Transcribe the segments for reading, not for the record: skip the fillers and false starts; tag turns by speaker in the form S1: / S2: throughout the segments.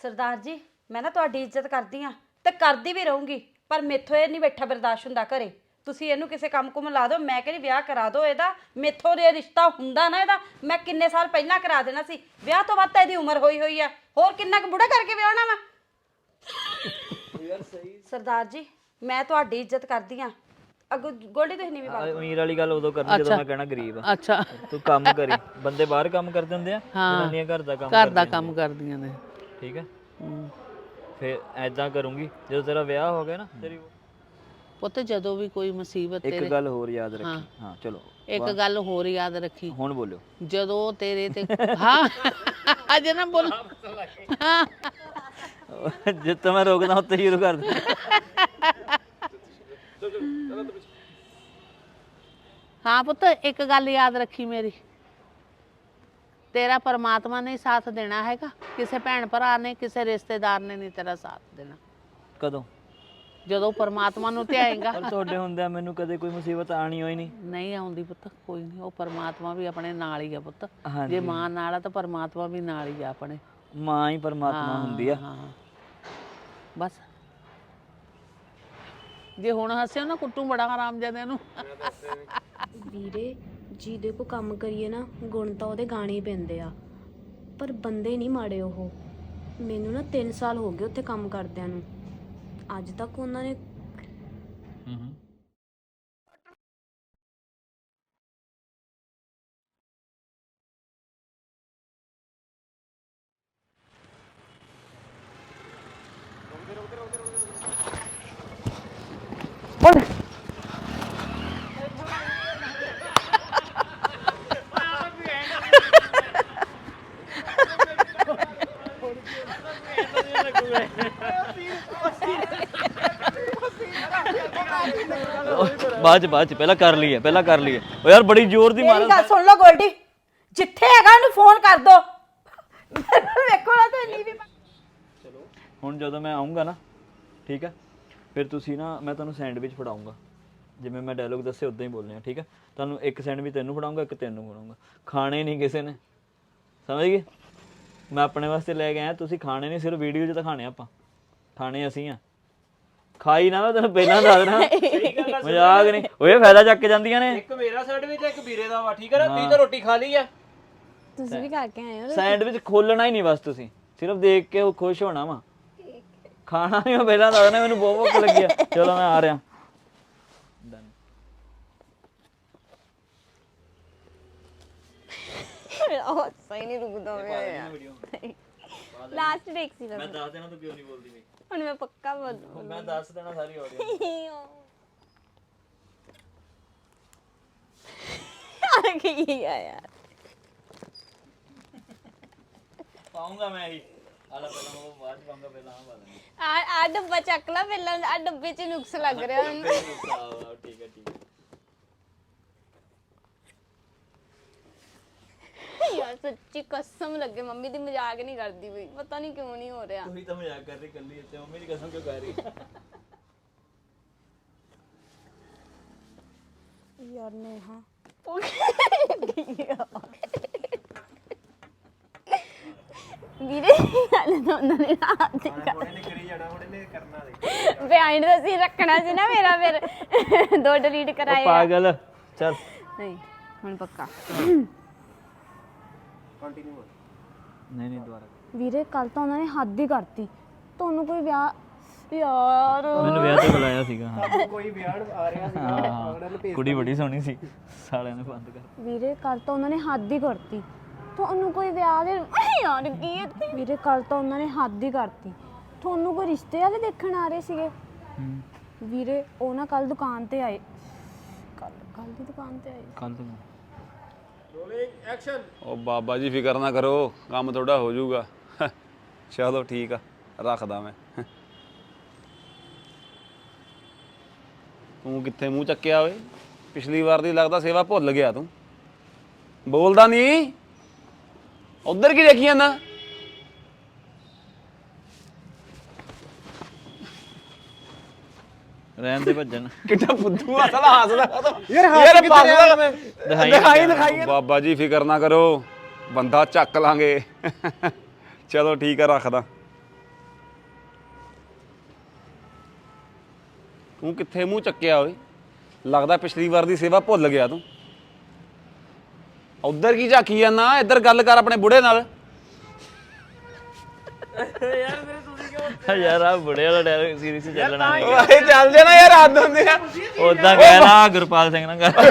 S1: सरदार जी मैं ना तुहाडी इज्जत करदी हाँ ते करदी भी रहूँगी पर मेथों ये नहीं बैठा बर्दाश्त हुंदा घरे तुसीं इहनूं किसे काम कुम ला दो मैं कहनी विआह करा दो इहदा मेथों ये रिश्ता हुंदा ना इहदा मैं किन्ने साल पहलां करा देना सी विआह तो बाद तां इहदी उमर होई होई आ होर किन्ना क बुढ़ा करके विआहना वा सरदार जी मैं तुहाडी इज्जत करदी हाँ अगो गोल्डी तुसीं नहीं भी
S2: ਅਮੀਰ ਵਾਲੀ ਗੱਲ ਉਦੋਂ ਕਰਨੀ ਜਦੋਂ ਮੈਂ ਕਹਿਣਾ ਗਰੀਬ ਆ
S3: ਅੱਛਾ
S2: ਤੂੰ ਕੰਮ ਕਰੀ ਬੰਦੇ ਬਾਹਰ ਕੰਮ ਕਰਦੇ ਹੁੰਦੇ ਆ ਜਨਾਨੀਆਂ ਘਰ ਦਾ ਕੰਮ
S3: ਘਰ ਦਾ ਕੰਮ ਕਰਦੀਆਂ ਨੇ
S2: ਠੀਕ ਹੈ ਫਿਰ ਐਦਾਂ ਕਰੂੰਗੀ ਜਦੋਂ ਤੇਰਾ ਵਿਆਹ ਹੋ ਗਿਆ ਨਾ ਤੇਰੀ
S3: ਪੁੱਤ ਜਦੋਂ ਵੀ ਕੋਈ ਮੁਸੀਬਤ
S2: ਇੱਕ ਗੱਲ ਹੋਰ ਯਾਦ ਰੱਖੀ ਹਾਂ ਚਲੋ
S3: ਇੱਕ ਗੱਲ ਹੋਰ ਯਾਦ ਰੱਖੀ
S2: ਹੁਣ ਬੋਲਿਓ
S3: ਜਦੋਂ ਤੇਰੇ ਤੇ ਹਾਂ ਅਜੇ ਨਾ ਬੋਲ ਹਾਂ
S2: ਜਿੱਤ ਮੈਂ ਰੋਕਦਾ ਉੱਤੇ ਸ਼ੁਰੂ ਕਰ ਦੇ
S3: ਹਾਂ ਪੁੱਤ ਇੱਕ ਗੱਲ ਯਾਦ ਰੱਖੀ ਮੇਰੀ ਤੇਰਾ ਪਰਮਾਤਮਾ ਨੇ ਸਾਥ ਦੇਣਾ ਹੈਗਾ ਕਿਸੇ ਭੈਣ ਭਰਾ ਨੇ ਕਿਸੇ ਰਿਸ਼ਤੇਦਾਰ ਨੇ ਨਹੀਂ ਤੇਰਾ ਸਾਥ ਦੇਣਾ
S2: ਕਦੋਂ
S3: ਜਦੋਂ ਪਰਮਾਤਮਾ ਨੂੰ ਧਿਆਏਗਾ
S2: ਪਰ ਤੁਹਾਡੇ ਹੁੰਦਿਆਂ ਮੈਨੂੰ ਕਦੇ ਕੋਈ ਮੁਸੀਬਤ ਆਣੀ ਹੋਈ ਨਹੀਂ
S3: ਨਹੀਂ ਆਉਂਦੀ ਪੁੱਤ ਕੋਈ ਨਹੀਂ ਉਹ ਪਰਮਾਤਮਾ ਵੀ ਆਪਣੇ ਨਾਲ ਹੀ ਆ ਪੁੱਤ
S2: ਹਾਂਜੀ।
S3: ਜੇ ਮਾਂ ਨਾਲ ਆ ਤਾਂ ਪਰਮਾਤਮਾ ਵੀ ਨਾਲ ਹੀ ਆ ਆਪਣੇ
S2: ਮਾਂ ਹੀ ਪਰਮਾਤਮਾ ਹੁੰਦੀ ਆ
S3: ਹਾਂ ਬਸ ਜੇ ਹੁਣ ਹੱਸਿਓ ਨਾ ਕੁੱਟੂ ਬੜਾ ਆਰਾਮ ਜਾਂਦੇ ਨੂੰ
S4: ਵੀਰੇ ਜਿਹਦੇ ਕੋ ਕੰਮ ਕਰੀਏ ਨਾ ਗੁਣ ਤਾਂ ਉਹਦੇ ਗਾਣੇ ਹੀ ਪੈਂਦੇ ਆ ਪਰ ਬੰਦੇ ਨਹੀਂ ਮਾੜੇ ਉਹ ਮੈਨੂੰ ਨਾ 3 ਸਾਲ ਹੋ ਗਏ ਉੱਥੇ ਕੰਮ ਕਰਦਿਆਂ ਨੂੰ ਅੱਜ ਤੱਕ ਉਹਨਾਂ ਨੇ
S2: ਬਾਅਦ ਚ ਪਹਿਲਾਂ ਕਰ ਲਈਏ ਓ ਯਾਰ ਬੜੀ ਜ਼ੋਰ ਦੀ ਮਾਰ
S1: मेरी गल सुन लो गोल्डी जिथे हैगा उन्हें फोन कर दो वेखो ना तो इन्नी भी
S2: ਹੁਣ ਜਦੋਂ ਮੈਂ ਆਉਂਗਾ ਨਾ ਠੀਕ ਹੈ ਫਿਰ ਤੁਸੀਂ ਨਾ ਮੈਂ ਤੁਹਾਨੂੰ ਸੈਂਡਵਿਚ ਫੜਾਉਂਗਾ ਜਿਵੇਂ ਮੈਂ ਡਾਇਲੋਗ ਦੱਸੇ ਉਦਾਂ ਹੀ ਬੋਲਨੇ ਆ ਠੀਕ ਹੈ ਤੁਹਾਨੂੰ ਇੱਕ ਸੈਂਡਵਿਚ ਤੈਨੂੰ ਫੜਾਉਂਗਾ ਇੱਕ ਤੈਨੂੰ ਫੜਾਉਂਗਾ ਖਾਣੇ ਨਹੀਂ ਕਿਸੇ ਨੇ ਸਮਝ ਗਏ ਮੈਂ ਆਪਣੇ ਵਾਸਤੇ ਲੈ ਕੇ ਆਇਆ ਤੁਸੀਂ ਖਾਣੇ ਨਹੀਂ ਸਿਰਫ ਵੀਡੀਓ 'ਚ ਤਾਂ ਖਾਣੇ ਆਪਾਂ ਖਾਣੇ ਅਸੀਂ ਆ ਖਾਈ ਨਾ ਮੈਂ ਤੈਨੂੰ ਪਹਿਲਾਂ ਦੱਸ ਦੇਣਾ ਮਜ਼ਾਕ ਨਹੀਂ ਓਏ ਫਾਇਦਾ ਚੱਕ ਕੇ ਜਾਂਦੀਆਂ ਨੇ
S5: ਇੱਕ ਮੇਰਾ ਸੈਂਡਵਿਚ ਇੱਕ ਵੀਰੇ ਦਾ ਵਾ ਠੀਕ ਹੈ ਨਾ ਤੁਸੀਂ ਤਾਂ ਰੋਟੀ ਖਾ ਲਈ ਆ
S4: ਤੁਸੀਂ ਵੀ ਖਾ ਕੇ ਆਏ ਹੋ
S2: ਸੈਂਡਵਿਚ ਖੋਲਣਾ ਹੀ ਨਹੀਂ ਬਸ ਤੁਸੀਂ ਸਿਰਫ ਦੇਖ ਕੇ ਖੁਸ਼ ਹੋਣਾ ਵਾ ਖਾਣਾ ਨਹੀਂ ਮੈਂ ਪਹਿਲਾਂ ਦੱਸ ਦੇਣਾ ਮੈਨੂੰ ਬਹੁਤ ਭੁੱਖ ਲੱਗੀ ਆ ਚਲੋ ਮੈਂ ਆ ਰਿਹਾ
S4: ਸਹੀ ਨਹੀਂ ਰੁਕਦਾ ਮੈਂ ਲਾਸਟ ਦੇਖ ਸੀ
S2: ਮੈਂ ਦੱਸ ਦੇਣਾ ਤੂੰ ਕਿਉਂ ਨਹੀਂ ਬੋਲਦੀ ਬਈ
S4: ਹੁਣ ਮੈਂ ਪੱਕਾ ਬੋਲ
S2: ਮੈਂ ਦੱਸ ਦੇਣਾ ਸਾਰੀ ਆਡੀਓ
S4: ਯਾਰ ਕੀ ਆ ਯਾਰ
S2: ਪਾਉਂਗਾ ਮੈਂ ਹੀ ਆਲਾ ਪਹਿਲਾਂ ਉਹ ਬਾਅਦ ਚ ਪਾਉਂਗਾ ਪਹਿਲਾਂ ਆ ਪਾ ਦੇਣੀ
S4: ਆ ਡੱਬਾ ਚੱਕ ਲਾ ਪਹਿਲਾਂ ਆ ਡੱਬੇ 'ਚ ਨੁਕਸ ਲੱਗ ਰਿਹਾ ਹੁਣ
S2: ਠੀਕ ਹੈ
S4: ਯਾਰ ਸੱਚੀ ਕਸਮ ਲੱਗੇ ਮੰਮੀ ਦੀ ਮਜ਼ਾਕ ਨਹੀਂ ਕਰਦੀ ਬਈ ਪਤਾ ਨਹੀਂ ਕਿਉਂ ਨਹੀਂ ਹੋ ਰਿਹਾ
S2: ਤੂੰ ਹੀ ਤਾਂ ਮਜ਼ਾਕ ਕਰ ਰਹੀ ਕੱਲੀ ਤੇ ਮੰਮੀ ਦੀ ਕਸਮ ਕਿਉਂ ਕਰ ਰਹੀ
S4: ਯਾਰ ਨੇਹਾ ਵੀਰੇ ਹਾਲੇ ਤਾਂ ਉਹਨਾਂ ਨੇ ਰਾਤ ਦੀ
S5: ਹੁਣੇ ਨੇ ਕਰੀ ਜਾਣਾ ਹੁਣੇ ਨੇ ਕਰਨਾ ਦੇ
S4: ਬਿਹਾਈਂਡ ਦਾ ਸੀ ਰੱਖਣਾ ਸੀ ਨਾ ਮੇਰਾ ਫਿਰ 2 ਡਿਲੀਟ ਕਰਾਏ
S2: ਪਾਗਲ ਚੱਲ
S4: ਨਹੀਂ ਹੁਣ ਪੱਕਾ
S5: ਕੰਟੀਨਿਊ
S2: ਨਹੀਂ ਦੁਬਾਰਾ
S4: ਵੀਰੇ ਕੱਲ ਤਾਂ ਉਹਨਾਂ ਨੇ ਹੱਦ ਹੀ ਕਰਤੀ ਤੁਹਾਨੂੰ ਕੋਈ ਵਿਆਹ ਯਾਰ
S2: ਮੈਨੂੰ ਵਿਆਹ ਤੇ ਬੁਲਾਇਆ ਸੀਗਾ ਹਾਂ
S5: ਕੋਈ ਵਿਆਹ ਆ ਰਿਹਾ ਸੀ
S2: ਕੁੜੀ ਬੜੀ ਸੋਹਣੀ ਸੀ ਸਾਲਿਆਂ ਨੇ ਬੰਦ ਕਰ
S4: ਵੀਰੇ ਕੱਲ ਤਾਂ ਉਹਨਾਂ ਨੇ ਹੱਦ ਹੀ ਕਰਤੀ ਤੁਹਾਨੂੰ ਕੋਈ ਵਿਆਹ ਦੇ ਯਾਰ ਕੀ ਇੱਥੇ ਵੀਰੇ ਕੱਲ ਤਾਂ ਉਹਨਾਂ ਨੇ ਹੱਦ ਹੀ ਕਰਤੀ ਤੁਹਾਨੂੰ ਕੋਈ ਰਿਸ਼ਤੇ ਵਾਲੇ ਦੇਖਣ ਆ ਰਹੇ ਸੀਗੇ ਵੀਰੇ ਉਹ ਨਾ ਕੱਲ ਦੁਕਾਨ ਤੇ ਆਏ ਕੱਲ ਦੀ ਦੁਕਾਨ ਤੇ ਆਏ
S2: ਕੱਲ ਤੋਂ
S5: ਰੋਲਿੰਗ ਐਕਸ਼ਨ
S6: ਉਹ ਬਾਬਾ ਜੀ ਫਿਕਰ ਨਾ ਕਰੋ ਕੰਮ ਤੁਹਾਡਾ ਹੋ ਜਾਊਗਾ ਚਲੋ ਠੀਕ ਆ ਰੱਖਦਾ ਮੈਂ ਤੂੰ ਕਿੱਥੇ ਮੂੰਹ ਚੱਕਿਆ ਓਏ ਪਿਛਲੀ ਵਾਰ ਦੀ ਲੱਗਦਾ ਸੇਵਾ ਭੁੱਲ ਗਿਆ ਤੂੰ ਬੋਲਦਾ ਨਹੀਂ ਉਧਰ ਕੀ ਦੇਖੀ ਜਾਂਦਾ
S2: ਰਹਿਣ ਦੇ ਭੱਜਣ
S6: ਕਿੱਡਾ ਫੁੱਦੂ ਆ ਸਾਲਾ ਹੱਸਦਾ
S5: ਯਾਰ
S6: ਦਿਖਾਈ ਬਾਬਾ ਜੀ ਫਿਕਰ ਨਾ ਕਰੋ ਬੰਦਾ ਚੱਕ ਲਾਂਗੇ ਚਲੋ ਠੀਕ ਆ ਰੱਖਦਾ ਤੂੰ ਕਿੱਥੇ ਮੂੰਹ ਚੱਕਿਆ ਓਏ? ਲੱਗਦਾ ਪਿਛਲੀ ਵਾਰ ਦੀ ਸੇਵਾ ਭੁੱਲ ਗਿਆ ਤੂੰ। ਉਧਰ ਕੀ ਝਾਕੀ ਜਾਂਦਾ, ਇੱਧਰ ਗੱਲ ਕਰ ਆਪਣੇ ਬੁੜੇ ਨਾਲ।
S2: ਯਾਰ ਆ ਬੁੜੇ ਵਾਲਾ ਡਾਇਲੌਗ ਸੀਰੀਅਸ ਚੱਲਣਾ ਨਹੀਂ।
S6: ਓਏ ਚੱਲ ਜਾ ਨਾ ਯਾਰ, ਹੱਦ ਹੁੰਦੀ ਆ।
S2: ਉਦਾਂ ਕਹਿਣਾ ਗੁਰਪਾਲ ਸਿੰਘ ਨਾਲ ਗੱਲ।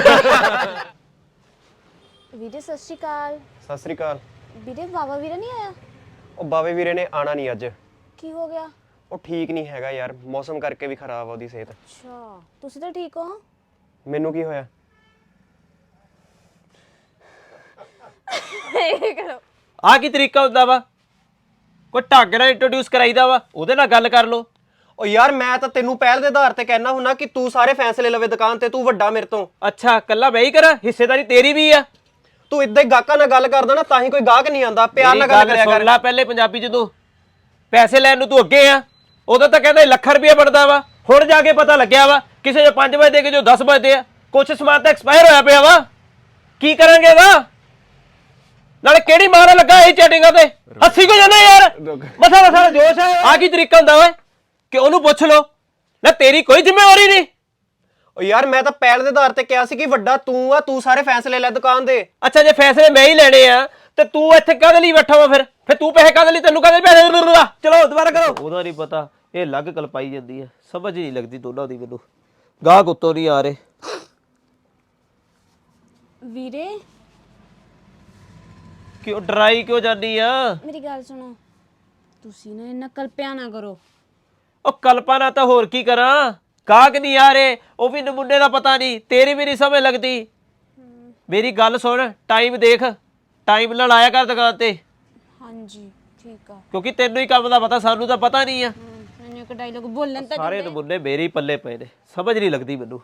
S4: ਵੀਰੇ ਸਤਿ ਸ਼੍ਰੀ ਅਕਾਲ।
S7: ਸਤਿ ਸ੍ਰੀ ਅਕਾਲ।
S4: ਵੀਰੇ ਬਾਬਾ ਵੀਰਾ ਨਹੀਂ ਆਇਆ?
S7: ਉਹ ਬਾਵੇ ਵੀਰੇ ਨੇ ਆਣਾ ਨਹੀਂ ਅੱਜ।
S4: ਕੀ ਹੋ ਗਿਆ?
S7: ਉਹ ਠੀਕ ਨਹੀਂ ਹੈਗਾ ਯਾਰ, ਮੌਸਮ ਕਰਕੇ ਵੀ ਖਰਾਬ ਆ ਉਹਦੀ ਸਿਹਤ।
S4: ਅੱਛਾ ਤੁਸੀਂ ਤਾਂ ਠੀਕ ਹੋ?
S7: ਮੈਨੂੰ ਕੀ ਹੋਇਆ?
S5: ਆ ਕੀ ਤਰੀਕਾ ਹੁੰਦਾ ਵਾ? ਕੋਈ ਢੰਗ ਨਾਲ ਇੰਟਰੋਡਿਊਸ ਕਰਾਈਦਾ ਵਾ, ਉਹਦੇ ਨਾਲ ਗੱਲ ਕਰ ਲੋ।
S7: ਉਹ ਯਾਰ ਮੈਂ ਤਾਂ ਤੈਨੂੰ ਪਹਿਲ ਦੇ ਆਧਾਰ ਤੇ ਕਹਿਣਾ ਹੁੰਨਾ ਕਿ ਤੂੰ ਸਾਰੇ ਫੈਸਲੇ ਲਵੇ ਦੁਕਾਨ ਤੇ, ਤੂੰ ਵੱਡਾ ਮੇਰੇ ਤੋਂ।
S5: ਅੱਛਾ ਕੱਲਾ ਮੈਂ ਹੀ ਕਰਾਂ? ਹਿੱਸੇਦਾਰੀ ਤੇਰੀ ਵੀ ਆ।
S7: ਤੂੰ ਇਦਾਂ ਹੀ ਗਾਹਕਾਂ ਨਾਲ ਗੱਲ ਕਰਦਾ ਨਾ ਤਾਂ ਹੀ ਕੋਈ ਗਾਹਕ ਨਹੀਂ ਆਂਦਾ। ਪਿਆਰ ਨਾਲ ਗੱਲ ਕਰਿਆ
S5: ਸੁਣ
S7: ਕਰ।
S5: ਲੈ ਪਹਿਲੇ ਪੰਜਾਬੀ ਚ ਤੂੰ ਪੈਸੇ ਲੈਣ ਨੂੰ ਤੂੰ ਅੱਗੇ ਆ। ਉਦੋਂ ਤਾਂ ਕਹਿੰਦਾ ਲੱਖ ਰੁਪਏ ਬਣਦਾ ਵਾ, ਹੁਣ ਜਾ ਕੇ ਪਤਾ ਲੱਗਿਆ ਵਾ ਕਿਸੇ ਜੋ 5 ਵਜੇ ਦੇ ਕੇ ਜੋ 10 ਵਜੇ ਆ। ਕੁਛ ਸਮਾਨ ਤਾਂ ਐਕਸਪਾਇਰ ਹੋਇਆ ਪਿਆ ਵਾ, ਕੀ ਕਰਾਂਗੇ ਵਾ? ਨਾਲੇ ਕਿਹੜੀ ਮਾਰਾ ਲੱਗਾ ਇਹ ਚੈਟਿੰਗਾਂ ਤੇ? ਹੱਸੀ ਕੋ ਜਾਂਦਾ ਯਾਰ, ਮਸਾ ਮਸਾ ਜੋਸ਼ ਆ। ਆ ਕੀ ਤਰੀਕਾ ਹੁੰਦਾ ਓਏ ਕਿ ਉਹਨੂੰ ਪੁੱਛ ਲੋ ਨਾ, ਤੇਰੀ ਕੋਈ ਜ਼ਿੰਮੇਵਾਰੀ ਨਹੀਂ।
S7: ਉਹ ਯਾਰ ਮੈਂ ਤਾਂ ਪਹਿਲ ਦੇ ਆਧਾਰ ਤੇ ਕਿਹਾ ਸੀ ਕਿ ਵੱਡਾ ਤੂੰ ਆ, ਤੂੰ ਸਾਰੇ ਫੈਸਲੇ ਲੈ ਦੁਕਾਨ ਦੇ।
S5: ਅੱਛਾ ਜੇ ਫੈਸਲੇ ਮੈਂ ਹੀ ਲੈਣੇ ਆ ਤੇ ਤੂੰ ਇੱਥੇ ਕਾਹਦੇ ਲਈ ਬੈਠਾ ਵਾ? ਫਿਰ ਤੂੰ ਪੈਸੇ ਕਾਹਦੇ ਲਈ? ਤੈਨੂੰ ਕਾਹਦੇ ਪੈਸੇ? ਚਲੋ ਦੁਬਾਰਾ ਕਰੋ। ਉਹਦਾ ਨਹੀਂ ਪਤਾ, ਇਹ ਲੱਗ ਕਲਪਾਈ ਜਾਂਦੀ ਹੈ, ਸਮਝ ਨਹੀਂ ਲੱਗਦੀ ਦੋਨਾਂ ਦੀ ਮੈਨੂੰ। ਗਾਹਕ ਉੱਤੋਂ ਨਹੀਂ ਆ ਰਹੇ।
S4: ਵੀਰੇ
S5: ਕਿਉਂ ਡਰਾਈ ਕਿਉਂ ਜਾਂਦੀ ਆ?
S4: ਮੇਰੀ ਗੱਲ ਸੁਣੋ, ਤੁਸੀਂ ਨਾ ਇੰਨਾ ਕਲਪਿਆ ਨਾ ਕਰੋ।
S5: ਉਹ ਕਲਪਨਾ ਤਾਂ ਹੋਰ ਕੀ ਕਰਾਂ? ਗਾਹਕ ਨਹੀਂ ਆ ਰਹੇ, ਉਹ ਵੀ ਨਮੂਨੇ ਦਾ ਪਤਾ ਨਹੀਂ, ਤੇਰੀ ਵੀ ਨਹੀਂ ਸਮਝ ਲੱਗਦੀ। ਮੇਰੀ ਗੱਲ ਸੁਣ, ਟਾਈਮ ਦੇਖ, ਟਾਈਮ ਨਾਲ ਆਇਆ ਕਰ ਦੁਕਾਨ ਤੇ,
S4: ਹਾਂਜੀ ਠੀਕ ਆ।
S5: ਕਿਉਂਕਿ ਤੈਨੂੰ ਹੀ ਕੰਮ ਦਾ ਪਤਾ, ਸਾਨੂੰ ਤਾਂ ਪਤਾ ਨਹੀਂ ਆ।
S4: ਮੈਨੂੰ ਇੱਕ ਡਾਇਲੋਗ ਬੋਲਣ ਤਾਂ
S5: ਸਾਰੇ ਨਮੂਨੇ ਮੇਰੇ ਹੀ ਪੱਲੇ ਪਏ ਨੇ, ਸਮਝ ਨਹੀਂ ਲੱਗਦੀ ਮੈਨੂੰ।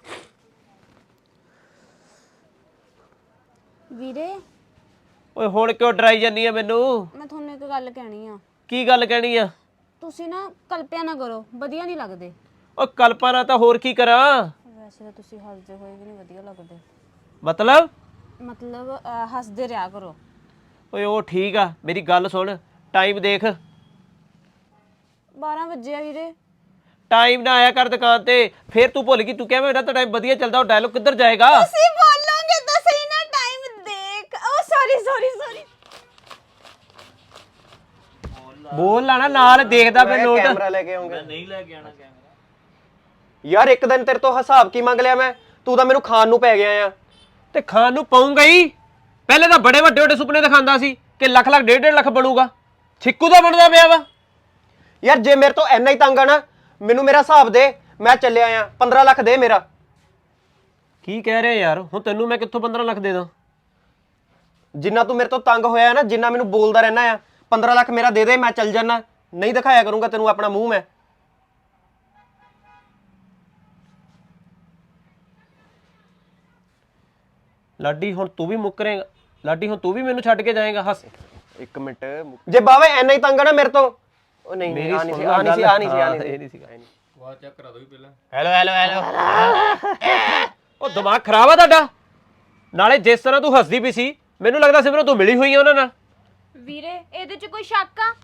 S4: ਵੀਰੇ
S5: ਓਏ ਹੁਣ ਕਿਉਂ ਡਰਾਈ ਜਾਂਦੀ ਆ ਮੈਨੂੰ?
S4: ਮੈਂ ਤੁਹਾਨੂੰ ਇੱਕ ਗੱਲ ਕਹਿਣੀ ਆ।
S5: ਕੀ ਗੱਲ ਕਹਿਣੀ ਆ?
S4: ਤੁਸੀਂ ਨਾ ਕਲਪਿਆ ਨਾ ਕਰੋ, ਵਧੀਆ ਨਹੀਂ ਲੱਗਦੇ।
S5: ਉਹ ਕਲਪਨਾ ਤਾਂ ਹੋਰ ਕੀ ਕਰਾਂ?
S4: ਵੈਸੇ ਤਾਂ ਤੁਸੀਂ ਹੱਸਦੇ ਹੋਏ ਵੀ ਨਹੀਂ ਵਧੀਆ ਲੱਗਦੇ।
S5: ਮਤਲਬ
S4: ਹੱਸਦੇ ਰਿਹਾ ਕਰੋ।
S5: ਓਏ ਉਹ ਠੀਕ ਆ, ਮੇਰੀ ਗੱਲ ਸੁਣ, ਟਾਈਮ ਦੇਖ।
S4: 12 ਵਜੇ ਆ ਵੀਰੇ।
S5: ਟਾਈਮ ਨਾ ਆਇਆ ਕਰ ਦੁਕਾਨ ਤੇ, ਫਿਰ ਤੂੰ ਭੁੱਲ ਗਈ। ਤੂੰ ਕਿਹਾ ਮੇਰਾ ਤਾਂ ਟਾਈਮ ਵਧੀਆ ਚੱਲਦਾ, ਉਹ ਡਾਇਲੋਗ ਕਿੱਧਰ ਜਾਏਗਾ?
S4: ਤੁਸੀਂ ਬੋਲੋਗੇ ਤਾਂ ਸਹੀ ਨਾ, ਟਾਈਮ ਦੇਖ। ਓ ਸੌਰੀ।
S5: ਬੋਲ ਲਾਣਾ ਨਾਲ, ਦੇਖਦਾ ਮੈਂ ਨੋਟ।
S7: ਕੈਮਰਾ ਲੈ ਕੇ ਆਉਂਗਾ।
S2: ਨਹੀਂ ਲੈ ਕੇ ਆਣਾ ਕੈਮਰਾ।
S7: ਯਾਰ ਇੱਕ ਦਿਨ ਤੇਰੇ ਤੋਂ ਹਿਸਾਬ ਕੀ ਮੰਗ ਲਿਆ ਮੈਂ? ਤੂੰ ਤਾਂ ਮੈਨੂੰ ਖਾਣ ਨੂੰ ਪੈ ਗਿਆ ਆ।
S5: ਤੇ ਖਾਣ ਨੂੰ ਪਾਉਂਗਾ ਹੀ। ਪਹਿਲੇ ਤਾਂ ਬੜੇ ਵੱਡੇ ਸੁਪਨੇ ਦਿਖਾਉਂਦਾ ਸੀ ਕਿ ਲੱਖ 1.5 ਲੱਖ ਬਣੂਗਾ, ਛਿੱਕੂ ਦਾ ਬਣਦਾ ਪਿਆ ਵਾ।
S7: ਯਾਰ ਜੇ ਮੇਰੇ ਤੋਂ ਇੰਨਾ ਹੀ ਤੰਗ ਆ ਨਾ, ਮੈਨੂੰ ਮੇਰਾ ਹਿਸਾਬ ਦੇ, ਮੈਂ ਚੱਲਿਆ ਆ। 15 ਲੱਖ ਦੇ ਮੇਰਾ।
S5: ਕੀ ਕਹਿ ਰਿਹਾ ਯਾਰ? ਹੁਣ ਤੈਨੂੰ ਮੈਂ ਕਿੱਥੋਂ 15 ਲੱਖ ਦੇ ਦਾਂ?
S7: ਜਿੰਨਾ ਤੂੰ ਮੇਰੇ ਤੋਂ ਤੰਗ ਹੋਇਆ ਨਾ, ਜਿੰਨਾ ਮੈਨੂੰ ਬੋਲਦਾ ਰਹਿਣਾ ਆ, 15 ਲੱਖ ਮੇਰਾ ਦੇ ਦੇ, ਮੈਂ ਚੱਲ ਜਾਣਾ। ਨਹੀਂ ਦਿਖਾਇਆ ਕਰੂੰਗਾ ਤੈਨੂੰ ਆਪਣਾ ਮੂੰਹ ਮੈਂ।
S5: ਲਾਡੀ ਹੁਣ ਤੂੰ ਵੀ ਮੁੱਕਰੇਂਗਾ? ਲਾਡੀ ਹੁਣ ਤੂੰ ਵੀ ਮੈਨੂੰ ਛੱਡ ਕੇ ਜਾਏਂਗਾ? ਹੱਸ।
S7: ਇੱਕ ਮਿੰਟ, ਜੇ ਬਾਵੇ ਇੰਨਾ ਹੀ ਤੰਗ ਆ ਨਾ ਮੇਰੇ ਤੋਂ, ਉਹ ਨਹੀਂ
S5: ਮੇਰੀ
S7: ਆ ਨਹੀਂ
S5: ਸੁਣ
S7: ਸੀ,
S5: ਲਾ
S7: ਆ ਨਹੀਂ ਸੀ,
S5: ਗੱਲ।
S7: ਆ ਨਹੀਂ ਸੀ, ਆ
S5: ਹਾਂ,
S7: ਨਹੀਂ
S5: ਇਹ
S7: ਸੀ।
S5: ਨਹੀਂ ਸੀਗਾ।
S6: ਵਾਹ ਚੈੱਕ ਕਰਾ ਦੋ ਵੀ ਪਹਿਲਾਂ।
S7: ਹੈਲੋ।
S5: ਉਹ ਦਿਮਾਗ ਖਰਾਬ ਆ ਤੁਹਾਡਾ? ਨਾਲੇ ਜਿਸ ਤਰ੍ਹਾਂ ਤੂੰ ਹੱਸਦੀ ਵੀ ਸੀ, ਮੈਨੂੰ ਲੱਗਦਾ ਸਿਮਰਨ ਤੂੰ ਮਿਲੀ ਹੋਈ ਆ ਉਹਨਾਂ ਨਾਲ।
S4: ਵੀਰੇ ਇਹਦੇ 'ਚ ਕੋਈ ਸ਼ੱਕ ਆ?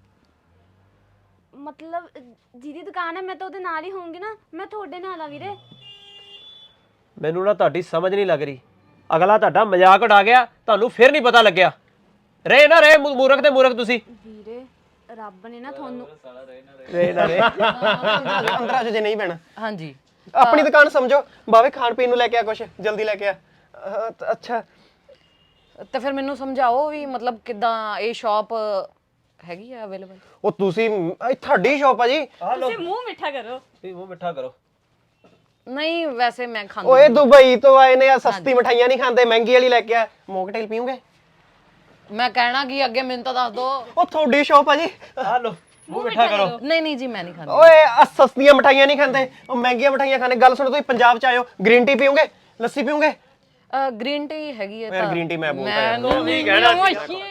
S4: ਮਤਲਬ ਜਿਹਦੀ ਦੁਕਾਨ ਹੈ ਮੈਂ ਤਾਂ ਉਹਦੇ ਨਾਲ ਹੀ ਹੋਊਂਗੀ ਨਾ, ਮੈਂ ਤੁਹਾਡੇ ਨਾਲ ਆ ਵੀਰੇ।
S5: ਮੈਨੂੰ ਨਾ ਤੁਹਾਡੀ ਸਮਝ ਨਹੀਂ ਲੱਗ ਰਹੀ। ਅਗਲਾ ਤੁਹਾਡਾ ਮਜ਼ਾਕ ਉਡਾ ਗਿਆ, ਤੁਹਾਨੂੰ ਫਿਰ ਨਹੀਂ ਪਤਾ ਲੱਗਿਆ। ਰਹੇ ਨਾ ਰਹੇ ਮੂਰਖ ਤੇ ਮੂਰਖ ਤੁਸੀਂ।
S4: ਵੀਰੇ ਰੱਬ ਨੇ ਨਾ ਤੁਹਾਨੂੰ
S5: ਰਹੇ ਨਾ ਰਹੇ।
S7: 15 ਜੇ ਨਹੀਂ ਪੈਣਾ।
S3: ਹਾਂਜੀ
S7: ਆਪਣੀ ਦੁਕਾਨ ਸਮਝੋ। ਬਾਵੇ ਖਾਣ ਪੀਣ ਨੂੰ ਲੈ ਕੇ ਆ, ਕੁਛ ਜਲਦੀ ਲੈ ਕੇ ਆ। ਅੱਛਾ
S3: ਤੇ ਫਿਰ ਮੈਨੂੰ ਸਮਝਾਓ ਵੀ ਮਤਲਬ ਕਿਦਾਂ ਇਹ ਸ਼ਾਪ ਹੈਗੀ ਆ ਅਵੇਲੇਬਲ?
S7: ਉਹ ਤੁਸੀਂ ਇਹ ਤੁਹਾਡੀ ਸ਼ਾਪ ਆ ਜੀ?
S1: ਤੁਸੀਂ ਮੂੰਹ ਮਿੱਠਾ ਕਰੋ।
S5: ਤੁਸੀਂ ਮੂੰਹ ਮਿੱਠਾ ਕਰੋ।
S3: ਨਹੀਂ ਵੈਸੇ ਮੈਂ ਖਾਂਦੀ
S7: ਓਏ ਦੁਬਈ ਤੋਂ ਆਏ ਨੇ ਆ, ਸਸਤੀ ਮਠਾਈਆਂ ਨਹੀਂ ਖਾਂਦੇ, ਮਹਿੰਗੀ ਵਾਲੀ ਲੈ ਕੇ ਆ। ਮੋਕਟੇਲ ਪੀਓਗੇ?
S3: ਮੈਂ ਕਹਿਣਾ ਕਿ ਅੱਗੇ ਮੈਨੂੰ ਤਾਂ ਦੱਸ ਦੋ।
S7: ਉਹ ਤੁਹਾਡੀ ਸ਼ਾਪ ਆ ਜੀ।
S5: ਆ ਲੋ ਮੂੰਹ ਮਿੱਠਾ ਕਰੋ।
S3: ਨਹੀਂ ਜੀ ਮੈਂ ਨਹੀਂ ਖਾਂਦੀ।
S7: ਓਏ ਆ ਸਸਤੀਆਂ ਮਠਾਈਆਂ ਨਹੀਂ ਖਾਂਦੇ, ਉਹ ਮਹਿੰਗੀਆਂ ਮਠਾਈਆਂ ਖਾਣੇ। ਗੱਲ ਸੁਣੋ, ਤੁਸੀਂ ਪੰਜਾਬ ਚ ਆਇਓ, ਗ੍ਰੀਨ ਟੀ ਪੀਓਗੇ? ਲੱਸੀ ਪੀਓਗੇ?
S3: ਗ੍ਰੀਨ ਟੀ ਹੈਗੀ ਹੈ
S7: ਯਾਰ green tea ਮੈਂ ਬੋਲਦਾ ਯਾਰ।
S3: ਮੈਨੂੰ ਨਹੀਂ ਕਹਿਣਾ।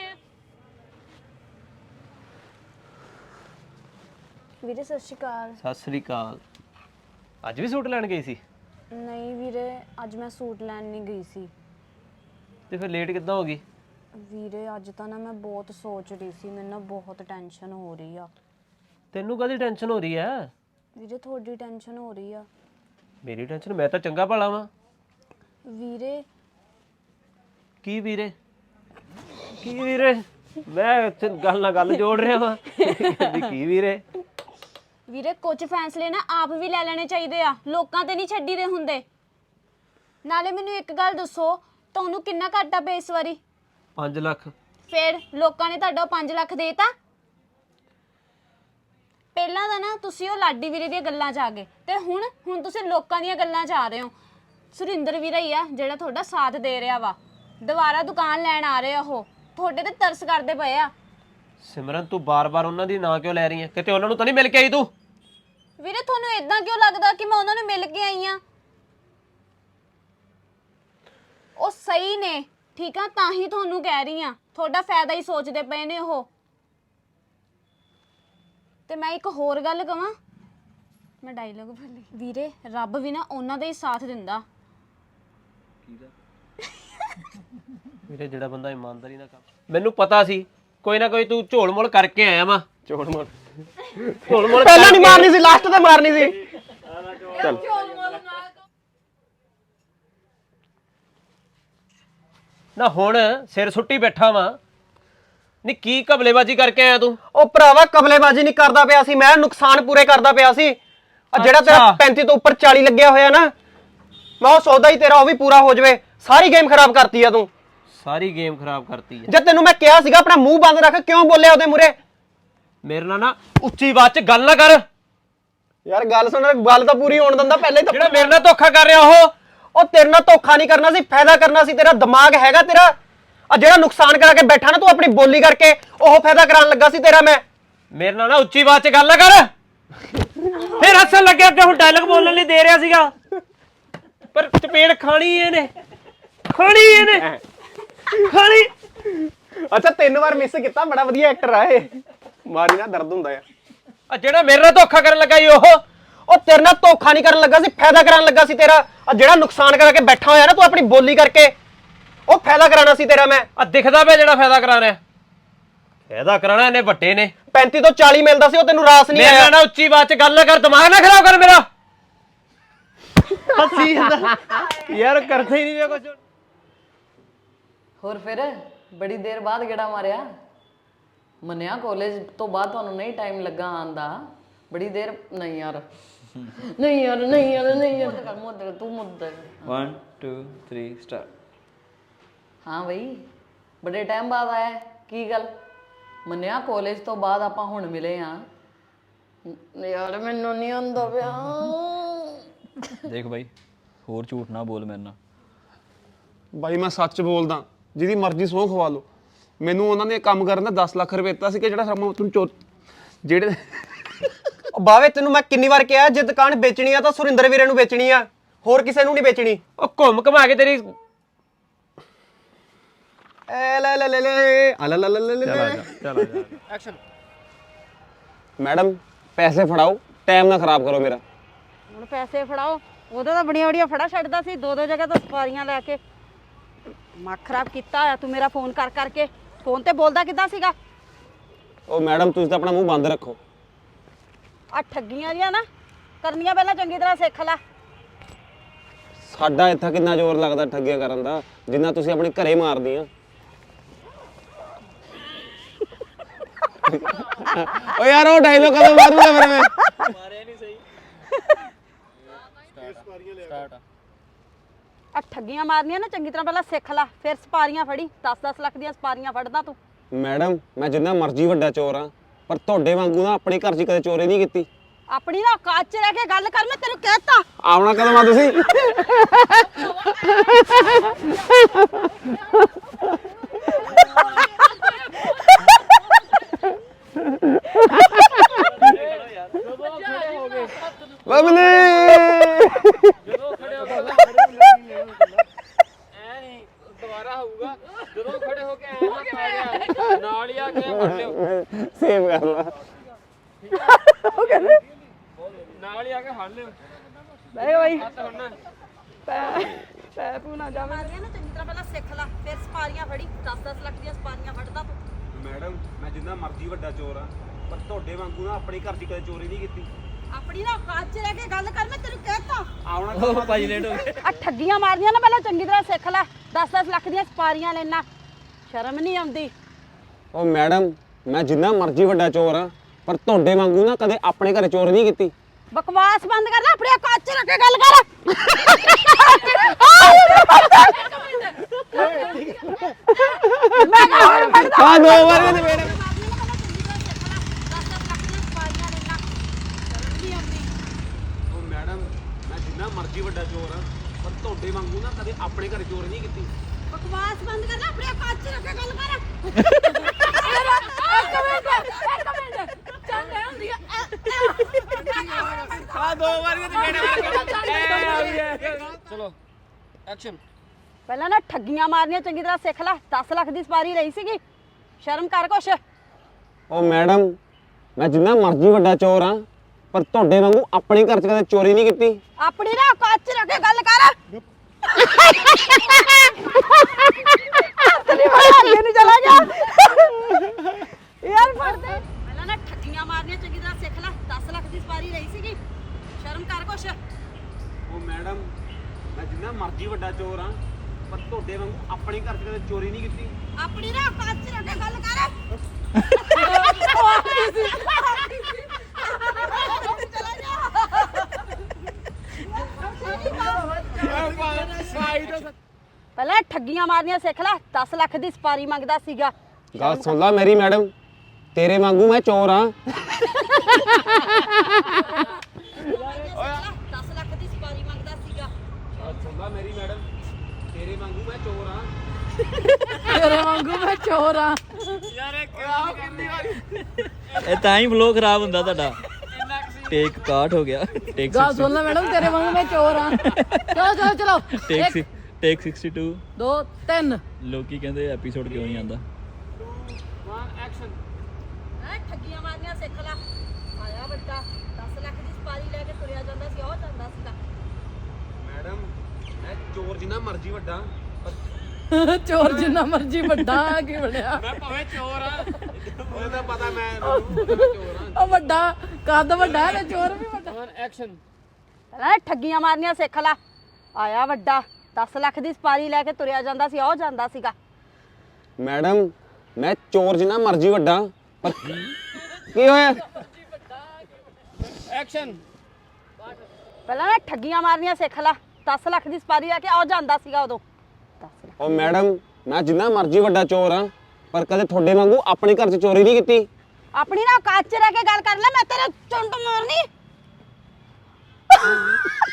S4: ਵੀਰੇ ਸਤਿ ਸ਼੍ਰੀ ਅਕਾਲ।
S5: ਸਤਿ ਸ੍ਰੀ ਅਕਾਲ। ਅੱਜ ਵੀ ਸੂਟ ਲੈਣ ਗਈ ਸੀ?
S4: ਨਹੀਂ ਵੀਰੇ ਅੱਜ ਮੈਂ ਸੂਟ ਲੈਣ ਨਹੀਂ ਗਈ ਸੀ।
S5: ਤੇ ਫਿਰ ਲੇਟ ਕਿੱਦਾਂ ਹੋ ਗਈ?
S4: ਵੀਰੇ ਅੱਜ ਤਾਂ ਨਾ ਮੈਂ ਬਹੁਤ ਸੋਚ ਰਹੀ ਸੀ, ਮੈਨੂੰ ਨਾ ਬਹੁਤ ਟੈਨਸ਼ਨ ਹੋ ਰਹੀ ਆ।
S5: ਤੈਨੂੰ ਕਾਹਦੀ ਟੈਨਸ਼ਨ ਹੋ ਰਹੀ ਹੈ?
S4: ਵੀਰੇ ਤੁਹਾਡੀ ਟੈਨਸ਼ਨ ਹੋ ਰਹੀ ਆ।
S5: ਮੇਰੀ ਟੈਨਸ਼ਨ? ਮੈਂ ਤਾਂ ਚੰਗਾ ਭਲਾ ਵਾਂ।
S4: ਵੀਰੇ
S5: ਕੀ ਵੀਰੇ? ਕੀ ਵੀਰੇ? ਮੈਂ ਇੱਥੇ ਗੱਲ ਨਾਲ ਗੱਲ ਜੋੜ ਰਿਹਾ ਵਾਂ। ਕਹਿੰਦੀ ਕੀ ਵੀਰੇ?
S4: ਵੀਰੇ ਕੁਝ ਫੈਸਲੇ ਨਾ ਆਪ ਵੀ ਲੈ ਲੈਣੇ ਚਾਹੀਦੇ ਆ, ਲੋਕਾਂ ਤੇ ਨਹੀਂ ਛੱਡੀਦੇ ਹੁੰਦੇ। ਨਾਲੇ ਮੈਨੂੰ ਇੱਕ ਗੱਲ ਦੱਸੋ, ਤੁਹਾਨੂੰ ਕਿੰਨਾ ਘਾਟਾ ਪਿਆ ਇਸ ਵਾਰੀ?
S5: 5 ਲੱਖ।
S4: ਫਿਰ ਲੋਕਾਂ ਨੇ ਤੁਹਾਡਾ 5 ਲੱਖ ਦੇਤਾ। ਪਹਿਲਾਂ ਤਾਂ ਨਾ ਤੁਸੀਂ ਉਹ ਲਾਡੀ ਵੀਰੇ ਦੀਆਂ ਗੱਲਾਂ 'ਚ ਆ ਗਏ ਤੇ ਹੁਣ ਤੁਸੀਂ ਲੋਕਾਂ ਦੀਆਂ ਗੱਲਾਂ 'ਚ ਆ ਰਹੇ ਹੋ। ਸੁਰਿੰਦਰ ਵੀਰਾ ਹੀ ਆ ਜਿਹੜਾ ਤੁਹਾਡਾ ਸਾਥ ਦੇ ਰਿਹਾ ਵਾ, ਦੁਬਾਰਾ ਦੁਕਾਨ ਲੈਣ ਆ ਰਹੇ ਆ, ਉਹ ਤੁਹਾਡੇ ਤੇ ਤਰਸ ਕਰਦੇ ਪਏ ਆ।
S5: ਸਿਮਰਨ ਤੂੰ ਬਾਰ-ਬਾਰ ਉਹਨਾਂ ਦੀ ਨਾਂ ਕਿਉਂ ਲੈ ਰਹੀ ਹੈ? ਕਿਤੇ ਉਹਨਾਂ ਨੂੰ ਤਾਂ ਨਹੀਂ ਮਿਲ ਕੇ ਆਈ ਤੂੰ?
S4: ਵੀਰੇ ਤੁਹਾਨੂੰ ਇਦਾਂ ਕਿਉਂ ਲੱਗਦਾ ਕਿ ਮੈਂ ਉਹਨਾਂ ਨੂੰ ਮਿਲ ਕੇ ਆਈ ਆ? ਉਹ ਸਹੀ ਨੇ, ਠੀਕ ਆ, ਤਾਂ ਹੀ ਤੁਹਾਨੂੰ ਕਹਿ ਰਹੀ ਆ, ਤੁਹਾਡਾ ਫਾਇਦਾ ਹੀ ਸੋਚਦੇ ਪਏ ਨੇ ਉਹ। ਤੇ ਮੈਂ ਇੱਕ ਹੋਰ ਗੱਲ ਕਵਾਂ, ਮੈਂ ਡਾਇਲੋਗ ਭੁੱਲੀ। ਵੀਰੇ ਰੱਬ ਵੀ ਨਾ ਉਹਨਾਂ ਦਾ ਹੀ ਸਾਥ ਦਿੰਦਾ।
S5: ਵੀਰੇ ਜਿਹੜਾ ਬੰਦਾ ਇਮਾਨਦਾਰੀ ਨਾਲ ਕੰਮ, ਮੈਨੂੰ ਪਤਾ ਸੀ ਕੋਈ ਨਾ ਕੋਈ ਤੂੰ ਝੋਲ ਮੋਲ ਕਰਕੇ ਆਇਆ ਵਾ।
S7: ਝੋਲ ਮੋਲ
S5: ਝੋਲ ਮੋਲ
S7: ਪਹਿਲਾਂ ਨਹੀਂ ਮਾਰਨੀ ਸੀ, ਲਾਸਟ ਤੇ ਮਾਰਨੀ ਸੀ। ਚੱਲ
S5: ਨਾ ਹੁਣ ਸਿਰ ਸੁੱਟੀ ਬੈਠਾ ਵਾ। ਨਹੀਂ ਕੀ ਕਬਲੇਬਾਜੀ ਕਰਕੇ ਆਇਆ ਤੂੰ?
S7: ਉਹ ਭਰਾਵਾ ਕਬਲੇਬਾਜ਼ੀ ਨਹੀਂ ਕਰਦਾ ਪਿਆ ਸੀ, ਮੈਂ ਨੁਕਸਾਨ ਪੂਰੇ ਕਰਦਾ ਪਿਆ ਸੀ। ਆ ਜਿਹੜਾ ਤੇਰਾ 35 ਤੋਂ ਉੱਪਰ 40 ਲੱਗਿਆ ਹੋਇਆ ਨਾ, ਮੈਂ ਉਹ ਸੌਦਾ ਹੀ ਤੇਰਾ ਉਹ ਵੀ ਪੂਰਾ ਹੋ ਜਾਵੇ। ਸਾਰੀ ਗੇਮ ਖਰਾਬ ਕਰਤੀ ਆ ਤੂੰ।
S5: ਸਾਰੀ ਗੇਮ ਖਰਾਬ ਕਰਤੀ ਹੈ।
S7: ਜੇ ਤੈਨੂੰ ਮੈਂ ਕਿਹਾ ਸੀਗਾ ਆਪਣਾ ਮੂੰਹ ਬੰਦ ਰੱਖ, ਕਿਉਂ ਬੋਲਿਆ ਉਹਦੇ ਮੂਰੇ?
S5: ਮੇਰੇ ਨਾਲ ਨਾ ਉੱਚੀ ਆਵਾਜ਼ 'ਚ ਗੱਲ ਨਾ ਕਰ।
S7: ਯਾਰ ਗੱਲ ਸੁਣ, ਗੱਲ ਤਾਂ ਪੂਰੀ ਹੋਣ ਦਿੰਦਾ ਪਹਿਲੇ ਤਾਂ।
S5: ਜਿਹੜਾ ਮੇਰੇ ਨਾਲ ਧੋਖਾ ਕਰ ਰਿਹਾ
S7: ਉਹ ਤੇਰੇ ਨਾਲ ਧੋਖਾ ਨਹੀਂ ਕਰਨਾ ਸੀ, ਫਾਇਦਾ ਕਰਨਾ ਸੀ। ਤੇਰਾ ਦਿਮਾਗ ਹੈਗਾ ਤੇਰਾ? ਆ ਜਿਹੜਾ ਨੁਕਸਾਨ ਕਰਾ ਕੇ ਬੈਠਾ ਨਾ ਤੂੰ ਆਪਣੀ ਬੋਲੀ ਕਰਕੇ, ਉਹ ਫਾਇਦਾ ਕਰਾਉਣ ਲੱਗਾ ਸੀ ਤੇਰਾ। ਮੈਂ
S5: ਮੇਰੇ ਨਾਲ ਨਾ ਉੱਚੀ ਆਵਾਜ਼ 'ਚ ਗੱਲ ਨਾ ਕਰ। ਫਿਰ ਹੱਸਣ ਲੱਗਿਆ ਤੇ ਹੁਣ ਡਾਇਲੌਗ ਬੋਲਣ ਲਈ ਦੇ ਰਿਹਾ ਸੀਗਾ, ਪਰ ਚਪੇੜ ਖਾਣੀ ਇਹਨੇ, ਖਾਣੀ ਇਹਨੇ, ਖਾਣੀ।
S7: ਅੱਛਾ 3 ਵਾਰ ਮਿਸ ਕੀਤਾ, ਬੜਾ ਵਧੀਆ ਐਕਟਰ ਆ ਇਹ। ਮਾਰੀ ਨਾ ਦਰਦ ਹੁੰਦਾ ਆ।
S5: ਜਿਹੜਾ ਮੇਰੇ ਨਾਲ ਧੋਖਾ ਕਰਨ ਲੱਗਾ ਈ ਉਹ
S7: ਤੇਰੇ ਨਾਲ ਧੋਖਾ ਨਹੀਂ ਕਰਨ ਲੱਗਾ ਸੀ, ਫਾਇਦਾ ਕਰਾਉਣ ਲੱਗਾ ਸੀ ਤੇਰਾ। ਆ ਜਿਹੜਾ ਨੁਕਸਾਨ ਕਰਾ ਕੇ ਬੈਠਾ ਹੋਇਆ ਨਾ ਤੂੰ ਆਪਣੀ ਬੋਲੀ ਕਰਕੇ, ਉਹ ਫਾਇਦਾ ਕਰਾਉਣਾ ਸੀ ਤੇਰਾ। ਮੈਂ
S5: ਦਿਖਦਾ ਪਿਆ ਜਿਹੜਾ ਫਾਇਦਾ ਕਰਾ ਰਿਹਾ। ਫਾਇਦਾ ਕਰਾਣਾ ਇਹਨੇ ਵੱਡੇ ਨੇ।
S7: 35 ਤੋਂ 40 ਮਿਲਦਾ ਸੀ, ਉਹ ਤੈਨੂੰ ਰਾਸ ਨਹੀਂ
S5: ਮੇਰੇ
S7: ਆਇਆ।
S5: ਨਾਲ ਉੱਚੀ ਆਵਾਜ਼ 'ਚ ਗੱਲ ਨਾ ਕਰ, ਦਿਮਾਗ ਨਾ ਖਰਾਬ ਕਰ ਮੇਰਾ। ਹੱਸੀ ਜਾਂਦਾ ਯਾਰ, ਕਰਦਾ ਹੀ ਨਹੀਂ ਵੇ ਕੁਝ।
S8: ਹੋਰ ਫਿਰ ਬੜੀ ਦੇਰ ਬਾਅਦ ਗੇੜਾ ਮਾਰਿਆ। ਮੰਨਿਆ ਕਾਲਜ ਤੋਂ ਬਾਅਦ ਤੁਹਾਨੂੰ ਨਹੀਂ ਟਾਈਮ ਲੱਗਾ ਆਉਣ ਦਾ, ਬੜੀ ਦੇਰ। ਨਹੀਂ ਯਾਰ, ਨਹੀਂ ਯਾਰ, ਨਹੀਂ ਯਾਰ, ਨਹੀਂ ਯਾਰ, ਮੁੱਦਰ ਤੂੰ ਮੁੱਦਰ।
S2: 1 2 3 ਸਟਾਰਟ।
S8: ਹਾਂ ਬਈ, ਬੜੇ ਟਾਈਮ ਬਾਅਦ ਆਇਆ ਹੈ। ਕੀ ਗੱਲ? ਮੰਨਿਆ ਕਾਲਜ ਤੋਂ ਬਾਅਦ ਆਪਾਂ ਹੁਣ ਮਿਲੇ ਆ। ਯਾਰ ਮੈਨੂੰ ਨਹੀਂ ਆਉਂਦਾ ਪਿਆ।
S2: ਦੇਖ ਬਾਈ, ਹੋਰ ਝੂਠ ਨਾ ਬੋਲ ਮੇਰੇ ਨਾਲ।
S6: ਬਾਈ ਮੈਂ ਸੱਚ ਬੋਲਦਾ, ਜਿਹਦੀ ਮਰਜ਼ੀ ਸਹੁੰ ਖਵਾ ਲਓ। ਮੈਨੂੰ ਉਹਨਾਂ ਨੇ ਕੰਮ ਕਰਨ ਦਾ 10 ਲੱਖ ਰੁਪਏ ਦਿੱਤਾ ਸੀ ਕਿ ਜਿਹੜਾ ਸਮਾਂ ਤੂੰ ਜਿਹੜੇ
S7: ਉਹ ਬਾਵੇ ਤੈਨੂੰ ਮੈਂ ਕਿੰਨੀ ਵਾਰ ਕਿਹਾ, ਜੇ ਦੁਕਾਨ ਵੇਚਣੀ ਆ ਤਾਂ ਸੁਰਿੰਦਰ ਵੀਰੇ ਨੂੰ ਵੇਚਣੀ ਆ, ਹੋਰ ਕਿਸੇ ਨੂੰ ਨਹੀਂ ਵੇਚਣੀ।
S5: ਉਹ ਘੁੰਮ ਘਮਾ ਕੇ ਤੇਰੀ
S7: ਐ ਲੈ ਲੈ ਲੈ ਲੈ ਆ ਲੈ ਲੈ ਲੈ ਲੈ
S5: ਚੱਲ ਆ ਜਾ।
S7: ਐਕਸ਼ਨ। ਮੈਡਮ ਪੈਸੇ ਫੜਾਓ, ਟਾਈਮ ਨਾ ਖਰਾਬ ਕਰੋ ਮੇਰਾ।
S1: ਹੁਣ ਪੈਸੇ ਫੜਾਓ, ਉਹਦਾ ਤਾਂ ਬੜੀਆਂ ਬੜੀਆਂ ਫੜਾ ਛੱਡਦਾ ਸੀ, 2-2 ਜਗ੍ਹਾ ਤੋਂ ਸਵਾਰੀਆਂ ਲੈ ਕੇ। ਦਿਮਾਗ ਖਰਾਬ ਕੀਤਾ ਹੋਇਆ ਤੂੰ ਮੇਰਾ ਫੋਨ ਕਰ ਕਰਕੇ। ਫੋਨ ਤੇ ਬੋਲਦਾ ਕਿੱਦਾਂ ਸੀਗਾ?
S7: ਉਹ ਮੈਡਮ ਤੁਸੀਂ ਤਾਂ ਆਪਣਾ ਮੂੰਹ ਬੰਦ ਰੱਖੋ।
S1: ਆ ਠੱਗੀਆਂ ਜੀਆਂ ਨਾ ਕਰਨੀਆਂ ਪਹਿਲਾਂ ਚੰਗੀ ਤਰ੍ਹਾਂ ਸਿੱਖ ਲੈ।
S7: ਸਾਡਾ ਇੱਥੇ ਕਿੰਨਾ ਜ਼ੋਰ ਲੱਗਦਾ ਠੱਗੀਆਂ ਕਰਨ ਦਾ, ਜਿੰਨਾ ਤੁਸੀਂ ਆਪਣੇ ਘਰੇ ਮਾਰਦੀ ਆ। ਓ ਯਾਰ ਉਹ ਡਾਇਲੋਗ ਕਦੋਂ ਮਾਰੂਗਾ ਫਿਰ ਮੈਂ? ਮਾਰਿਆ ਨਹੀਂ ਸਹੀ। ਸਟਾਰਟ।
S1: ਆ ਠੱਗੀਆਂ ਮਾਰਨੀਆਂ ਨਾ ਚੰਗੀ ਤਰ੍ਹਾਂ ਪਹਿਲਾਂ ਸਿੱਖ ਲੈ, ਫਿਰ ਸਪਾਰੀਆਂ ਫੜੀ। 10-10 ਲੱਖ ਦੀਆਂ ਸਪਾਰੀਆਂ ਫੜਦਾ ਤੂੰ।
S7: ਮੈਡਮ ਮੈਂ ਜਿੰਨਾ ਮਰਜ਼ੀ ਵੱਡਾ ਚੋਰ ਆ, ਪਰ ਤੁਹਾਡੇ ਵਾਂਗੂ ਨਾ ਆਪਣੇ ਘਰ 'ਚ ਕਦੇ ਚੋਰੀ ਨਹੀਂ ਕੀਤੀ।
S1: ਆਪਣੀ ਨਾ ਔਕਾਤ 'ਚ ਰਹਿ ਕੇ ਗੱਲ ਕਰ, ਮੈਂ ਤੈਨੂੰ ਕਹਿਤਾ।
S7: ਆਉਣਾ ਕਦੋਂ ਆ ਤੁਸੀਂ? ਲਵਲੀ
S5: ਜਦੋਂ ਖੜੇ ਹੋ ਗਏ ਐ ਨਹੀਂ ਦੁਬਾਰਾ ਹੋਊਗਾ। ਜਦੋਂ ਖੜੇ ਹੋ ਕੇ ਐ ਨਾ ਖਾ ਗਿਆ, ਨਾਲ ਹੀ ਆ ਕੇ ਫੜ ਲਿਓ।
S7: ਸੇਵ ਕਰ ਲਾ।
S1: ਉਹ ਕਹਿੰਦੇ
S5: ਨਾਲ ਹੀ ਆ ਕੇ ਫੜ ਲਿਓ।
S1: ਬਈ ਓਏ
S5: ਹੱਥ ਫੜਨਾ।
S1: ਪੈ ਪੂ ਨਾ ਜਾਵੇ। ਮਾਰਨੀਆਂ ਨਾ ਚੰਗੀ ਤਰ੍ਹਾਂ ਪਹਿਲਾਂ ਸਿੱਖ ਲੈ, ਫਿਰ ਸਪਾਰੀਆਂ ਫੜੀ। 10-10 ਲੱਖ ਦੀਆਂ ਸਪਾਰੀਆਂ ਫੜਦਾ ਤੂੰ।
S6: ਮੈਡਮ ਮੈਂ ਜਿੰਨਾ ਮਰਜ਼ੀ ਵੱਡਾ ਚੋਰ ਆ, ਪਰ ਤੁਹਾਡੇ ਵਾਂਗੂ ਨਾ ਆਪਣੇ ਘਰ ਦੀ ਕਦੇ ਚੋਰੀ ਨਹੀਂ ਕੀਤੀ।
S1: ਆਪਣੀ ਨਾ ਔਕਾਤ 'ਚ ਰਹਿ ਕੇ ਗੱਲ ਕਰ, ਮੈਂ ਤੈਨੂੰ ਕਹਿਤਾ।
S6: ਆਉਣਾ
S2: ਉਹ ਭਾਜੀ ਲੇਟ ਹੋ ਗਏ।
S1: ਆ ਠੱਗੀਆਂ ਮਾਰਨੀਆਂ ਨਾ ਪਹਿਲਾਂ ਚੰਗੀ ਤਰ੍ਹਾਂ ਸਿੱਖ ਲੈ। 10-10 ਲੱਖ ਦੀਆਂ ਸਪਾਰੀਆਂ ਲੈਣਾ, ਸ਼ਰਮ ਨਹੀਂ ਆਉਂਦੀ।
S6: ਉਹ ਮੈਡਮ ਮੈਂ ਜਿੰਨਾ ਮਰਜ਼ੀ ਵੱਡਾ ਚੋਰ ਆ ਪਰ ਤੁਹਾਡੇ ਵਾਂਗੂ ਨਾ ਕਦੇ ਆਪਣੇ ਘਰੇ ਚੋਰੀ ਨਹੀਂ ਕੀਤੀ।
S1: ਬਕਵਾਸ ਬੰਦ ਕਰ ਲੈ, ਆਪਣੀ ਔਕਾਤ 'ਚ ਰਹਿ ਕੇ ਗੱਲ ਕਰ।
S6: ਹਾਂ 2 ਵਾਰ ਨੇ ਮੈਡਮ। ਉਹ ਮੈਡਮ ਮੈਂ ਜਿੰਨਾ ਮਰਜ਼ੀ ਵੱਡਾ ਚੋਰ ਆ ਪਰ ਤੁਹਾਡੇ ਵਾਂਗੂ ਨਾ ਕਦੇ ਆਪਣੇ ਘਰੇ ਚੋਰੀ ਨਹੀਂ ਕੀਤੀ।
S1: ਬਕਵਾਸ ਬੰਦ ਕਰ ਲੈ, ਆਪਣੀ ਔਕਾਤ 'ਚ ਰਹਿ ਕੇ ਗੱਲ ਕਰ।
S6: ਹਾਂ 2 ਵਾਰੀਆਂ ਤੇ ਚਲੋ ਐਕਸ਼ਨ।
S1: ਪਹਿਲਾਂ ਨਾ ਠੱਗੀਆਂ ਮਾਰਨੀਆਂ ਚੰਗੀ ਤਰ੍ਹਾਂ ਸਿੱਖ ਲੈ। 10 ਲੱਖ ਦੀ ਸਪਾਰੀ ਲਈ ਸੀਗੀ, ਸ਼ਰਮ ਕਰ ਕੁਛ।
S6: ਉਹ ਮੈਡਮ ਮੈਂ ਜਿੰਨਾ ਮਰਜ਼ੀ ਵੱਡਾ ਚੋਰ ਆ ਪਰ ਤੁਹਾਡੇ ਵਾਂਗੂ ਆਪਣੇ ਘਰ 'ਚ ਕਦੇ ਚੋਰੀ ਨਹੀਂ ਕੀਤੀ।
S1: ਆਪਣੀ ਨਾ ਔਕਾਤ 'ਚ ਰਹਿ ਕੇ ਗੱਲ ਕਰ। ਤੇਰੀ ਮਾਂ ਅੱਗੇ ਨੂੰ ਚਲਾ ਗਿਆ ਯਾਰ, ਫੜ ਦੇ। ਪਹਿਲਾਂ ਨਾ ਠੱਗੀਆਂ ਮਾਰਨੀਆਂ ਚੰਗੀ ਤਰ੍ਹਾਂ ਸਿੱਖ ਲੈ। 10 ਲੱਖ ਦੀ ਸਪਾਰੀ ਲਈ ਸੀਗੀ, ਸ਼ਰਮ ਕਰ ਕੁਛ।
S6: ਉਹ ਮੈਡਮ ਮੈਂ ਜਿੰਨਾ ਮਰਜ਼ੀ ਵੱਡਾ ਚੋਰ ਆ ਪਰ ਤੁਹਾਡੇ ਵਾਂਗੂ ਆਪਣੇ ਘਰ 'ਚ ਕਦੇ ਚੋਰੀ ਨਹੀਂ ਕੀਤੀ।
S1: ਆਪਣੀ ਨਾ ਔਕਾਤ 'ਚ ਰਹਿ ਕੇ ਗੱਲ ਕਰ। ਪਹਿਲਾਂ ਠੱਗੀਆਂ ਮਾਰਨੀਆਂ ਸਿੱਖ ਲੈ। 10 ਲੱਖ ਦੀ ਸਪਾਰੀ ਮੰਗਦਾ ਸੀਗਾ।
S6: ਗੱਲ ਸੁਣ ਲੈ ਮੇਰੀ ਮੈਡਮ, ਤੇਰੇ ਵਾਂਗੂ ਮੈਂ ਚੋਰ ਆ।
S1: 10 ਲੱਖ ਦੀ ਸਪਾਰੀ ਮੰਗਦਾ ਸੀਗਾ।
S6: ਗੱਲ ਸੁਣ ਲੈ ਮੇਰੀ ਮੈਡਮ, ਤੇਰੇ ਵਾਂਗੂ ਮੈਂ ਚੋਰ ਆ।
S8: ਤੇਰੇ ਵਾਂਗੂ ਮੈਂ ਚੋਰ ਆ।
S2: ਇਹ ਤਾਂ ਹੀ ਫਲੋ ਖਰਾਬ ਹੁੰਦਾ ਤੁਹਾਡਾ। ਟੇਕ 61 ਹੋ ਗਿਆ। ਟੇਕ
S8: ਗੱਲ ਸੁਣ ਲੈ ਮੈਡਮ, ਤੇਰੇ ਵਾਂਗੂ ਮੈਂ ਚੋਰ ਆ। ਚਲੋ ਚਲੋ ਚਲੋ।
S2: ਟੇਕ 62।
S8: 2 3
S2: ਲੋਕੀ ਕਹਿੰਦੇ ਐਪੀਸੋਡ ਕਿਉਂ ਨਹੀਂ ਆਉਂਦਾ।
S1: ਹੈ ਠੱਗੀਆਂ ਮਾਰਨੀਆਂ ਸਿੱਖ ਲੈ। ਆਇਆ ਵੱਡਾ 10 ਲੱਖ ਦੀ ਸਪਾਰੀ ਲੈ ਕੇ ਤੁਰਿਆ ਜਾਂਦਾ ਸੀ, ਉਹ ਜਾਂਦਾ ਸੀਗਾ।
S6: ਮੈਡਮ ਮੈਂ ਚੋਰ ਜਿੰਨਾ ਮਰਜ਼ੀ ਵੱਡਾ ਪਰ
S8: ਚੋਰ ਜਿੰਨਾ ਮਰਜੀ ਵੱਡਾ ਕੀ ਬਣਿਆ।
S6: ਮੈਂ ਭਾਵੇਂ ਚੋਰ ਆ, ਉਹਦਾ ਤਾਂ ਪਤਾ ਮੈਂ ਚੋਰ ਆ।
S8: ਉਹ ਵੱਡਾ ਕੱਦ ਵੱਡਾ ਤੇ ਚੋਰ ਵੀ ਵੱਡਾ।
S6: ਐਕਸ਼ਨ।
S1: ਪਹਿਲਾਂ ਠੱਗੀਆਂ ਮਾਰਨੀਆਂ ਸਿੱਖ ਲੈ। ਆਇਆ ਵੱਡਾ 10 ਲੱਖ ਦੀ ਸਪਾਰੀ ਲੈ ਕੇ ਤੁਰਿਆ ਜਾਂਦਾ ਸੀ, ਉਹ ਜਾਂਦਾ ਸੀਗਾ।
S6: ਮੈਡਮ ਮੈਂ ਚੋਰ ਜਿੰਨਾ ਮਰਜ਼ੀ ਵੱਡਾ ਪਰ ਕੀ ਹੋਇਆ। ਐਕਸ਼ਨ।
S1: ਪਹਿਲਾਂ ਨਾ ਠੱਗੀਆਂ ਮਾਰਨੀਆਂ ਸਿੱਖ ਲੈ। 10 ਲੱਖ ਦੀ ਸਪਾਰੀ ਲੈ ਕੇ ਉਹ ਜਾਂਦਾ ਸੀਗਾ ਉਦੋਂ। 10 ਲੱਖ।
S6: ਉਹ ਮੈਡਮ ਮੈਂ ਜਿੰਨਾ ਮਰਜ਼ੀ ਵੱਡਾ ਚੋਰ ਆ ਪਰ ਕਦੇ ਤੁਹਾਡੇ ਵਾਂਗੂ ਆਪਣੇ ਘਰ 'ਚ ਚੋਰੀ ਨਹੀਂ ਕੀਤੀ।
S1: ਆਪਣੀ ਨਾ ਔਕਾਤ 'ਚ ਰਹਿ ਕੇ ਗੱਲ ਕਰ ਲੈ, ਮੈਂ ਤੇਰੇ ਚੁੰਡ ਮਾਰਨੀ।